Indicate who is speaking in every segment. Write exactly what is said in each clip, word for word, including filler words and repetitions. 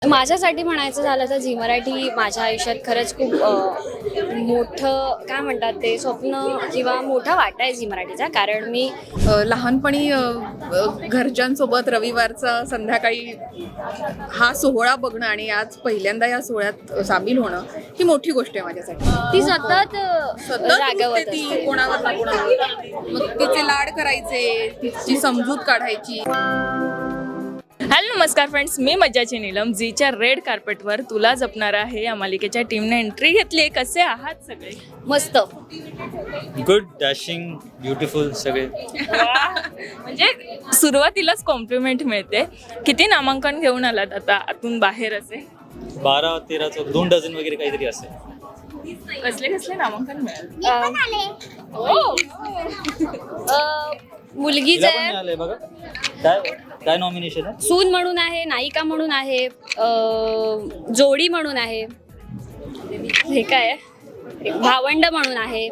Speaker 1: माझ्यासाठी म्हणायचं झालं तर झी मराठी माझ्या आयुष्यात खरंच खूप अ, मोठं काय म्हणतात ते स्वप्न किंवा मोठा वाटा आहे झी मराठीचा. कारण मी
Speaker 2: अ, लहानपणी अ, अ, घरच्यांसोबत रविवारचा संध्याकाळी हा सोहळा बघणं आणि आज पहिल्यांदा या सोहळ्यात सामील होणं ही मोठी गोष्ट आहे माझ्यासाठी.
Speaker 1: ती सतत
Speaker 2: सतत
Speaker 1: जागवत
Speaker 2: रुसते ती
Speaker 1: असते.
Speaker 2: कोणावर ना कोणावर. मग तिचे लाड करायचे, तिची समजूत काढायची.
Speaker 3: हॅलो नमस्कार फ्रेंड्स, मी मज्जाची नीलम. झीच्या रेड कार्पेटवर तुला जपणार आहे या मालिकेच्या टीमने एंट्री घेतली. कसे आहात सगळे?
Speaker 1: मस्त.
Speaker 4: गुड, डॅशिंग, ब्युटिफुल सगळे.
Speaker 3: म्हणजे सुरुवातीलाच कॉम्प्लिमेंट मिळते. किती नामांकन घेऊन आलात आता आतून बाहेर असे?
Speaker 4: बारा तेराचं दोन डझन वगैरे काहीतरी असेल.
Speaker 3: कसले कसले नामांकन मिळाले?
Speaker 1: अ, अ, मुलगीच
Speaker 4: तिला पण
Speaker 1: आहे,
Speaker 4: मिळालंय बघा. काय काय नॉमिनेशन आहे?
Speaker 1: सून म्हणून आहे, नायिका म्हणून आहे, अ, जोडी म्हणून आहे, हे काय आहे? एक भावंड म्हणून आहे,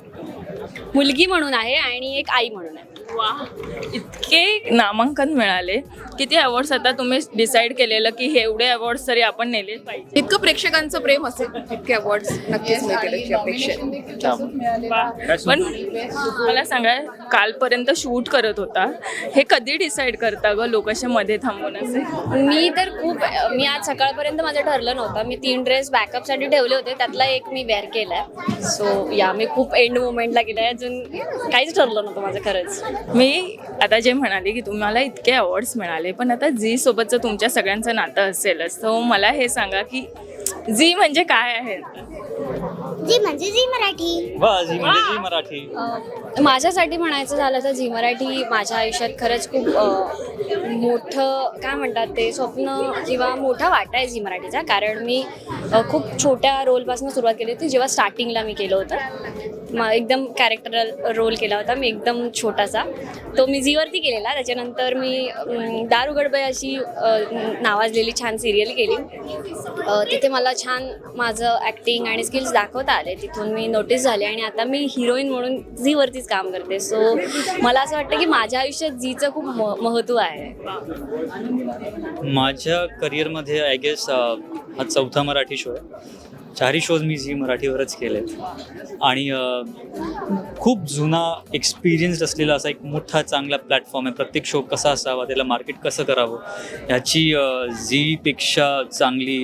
Speaker 1: मुलगी म्हणून आहे आणि एक आई म्हणून आहे.
Speaker 3: वा, इतके नामांकन मिळाले. किती अवॉर्ड्स आता तुम्ही डिसाईड केलेलं की हे एवढे अवॉर्ड्स तरी आपण नेले पाहिजे?
Speaker 2: इतकं प्रेक्षकांचं प्रेम असेल इतके अवॉर्ड्स नक्कीच मिळतील अशी अपेक्षा आहे.
Speaker 3: वा. पण मला सांगा, कालपर्यंत शूट करत होता, हे कधी डिसाईड करता ग लोक असे मध्ये थांबून असे?
Speaker 1: मी तर खूप मी आज सकाळपर्यंत माझं ठरलं नव्हतं. मी तीन ड्रेस बॅकअपसाठी ठेवले होते, त्यातला एक मी वेअर केलाय. सो या मी खूप एंड मोमेंटला केलाय. अजून काहीच ठरलं नव्हतं माझं खरंच.
Speaker 3: मी आता जे म्हणाले की तुम्हाला इतके अवॉर्ड्स मिळाले, पण आता झी सोबतचं तुमच्या सगळ्यांचं नातं असेलच, तर मला हे सांगा की झी म्हणजे काय आहे?
Speaker 5: जी म्हणजे जी मराठी.
Speaker 4: वा, झी म्हणजे झी मराठी.
Speaker 1: अ, माझ्यासाठी म्हणायचं झालं तर झी मराठी माझ्या आयुष्यात खरंच खूप अ, मोठं काय म्हणतात ते स्वप्न किंवा मोठा वाटा आहे झी मराठीचा. कारण मी अ, खूप छोट्या रोलपासून सुरुवात केली होती. जेव्हा स्टार्टिंगला मी केलं होतं, मग एकदम कॅरेक्टरल रोल केला होता मी, एकदम छोटासा. तो मी झीवरती केलेला. त्याच्यानंतर मी अम, दारू गडबय अशी अ, नावाजलेली छान सिरियल केली. अ, तिथे मला छान माझं ॲक्टिंग आणि स्किल्स दाखवता आले. तिथून मी नोटीस झाले आणि आता मी हिरोईन म्हणून झीवरतीच काम करते. सो मला असं वाटतं की माझ्या आयुष्यात झीचं खूप म महत्त्व आहे.
Speaker 4: माझ्या करिअरमध्ये आय गेस हा चौथा मराठी शो आहे. चारही शोज मी झी मराठीवरच केले आणि अ, खूप जुना एक्सपिरियन्स असलेला असा एक मोठा चांगला प्लॅटफॉर्म आहे. प्रत्येक शो कसा असावा, त्याला मार्केट कसं करावं, ह्याची झीपेक्षा चांगली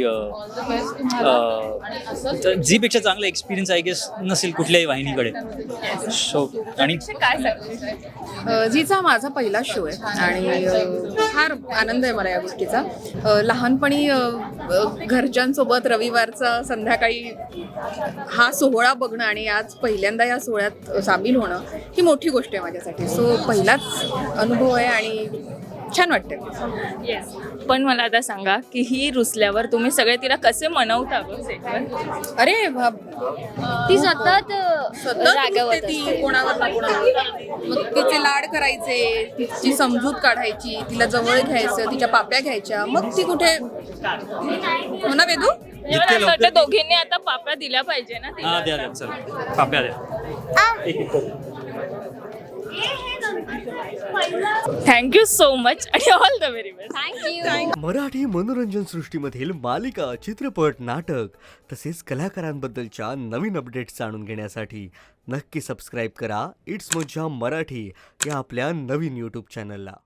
Speaker 4: झीपेक्षा चांगला एक्सपिरियन्स आय गेस नसेल कुठल्याही वाहिनीकडे. शो आणि
Speaker 3: काय सांगू?
Speaker 2: अ, झीचा माझा पहिला शो आहे आणि अ, फार आनंद आहे मला या गोष्टीचा. अ, लहानपणी अ, अ, घरच्यांसोबत रविवारचा संध्याकाळी हा सोहळा बघणं आणि आज पहिल्यांदा या सोहळ्यात सामील होणं ही मोठी गोष्ट आहे माझ्यासाठी. सो पहिलाच अनुभव आहे आणि छान वाटते.
Speaker 3: येस. पण मला आता सांगा की ही रुसल्यावर तुम्ही सगळे तिला कसे मनवता गं सेटवर?
Speaker 2: अरे बाप,
Speaker 1: ती सतत
Speaker 2: सतत
Speaker 1: जागवत
Speaker 2: रुसते ती
Speaker 1: असते.
Speaker 2: कोणावर ना कोणावर. मग तिचे लाड करायचे, तिची समजूत काढायची, तिला जवळ घ्यायचं, तिच्या पाप्या घ्यायच्या. मग ती कुठे हो ना वेदू?
Speaker 3: म्हणजे मला असं वाटतं दोघींनी आता पाप्या दिल्या पाहिजे ना तिला.
Speaker 4: हा द्या द्या चल पाप्या द्या. एक एक करून.
Speaker 3: थँक्यू सो मच आणि all the very best.
Speaker 1: Thank you.
Speaker 6: Marathi मनोरंजन सृष्टीमधील मालिका, चित्रपट, नाटक तसेच कलाकारांबद्दलच्या नवीन अपडेट्स जाणून घेण्यासाठी नक्की सबस्क्राईब करा इट्स मज्जा मराठी या आपल्या नवीन यूट्यूब चॅनलला.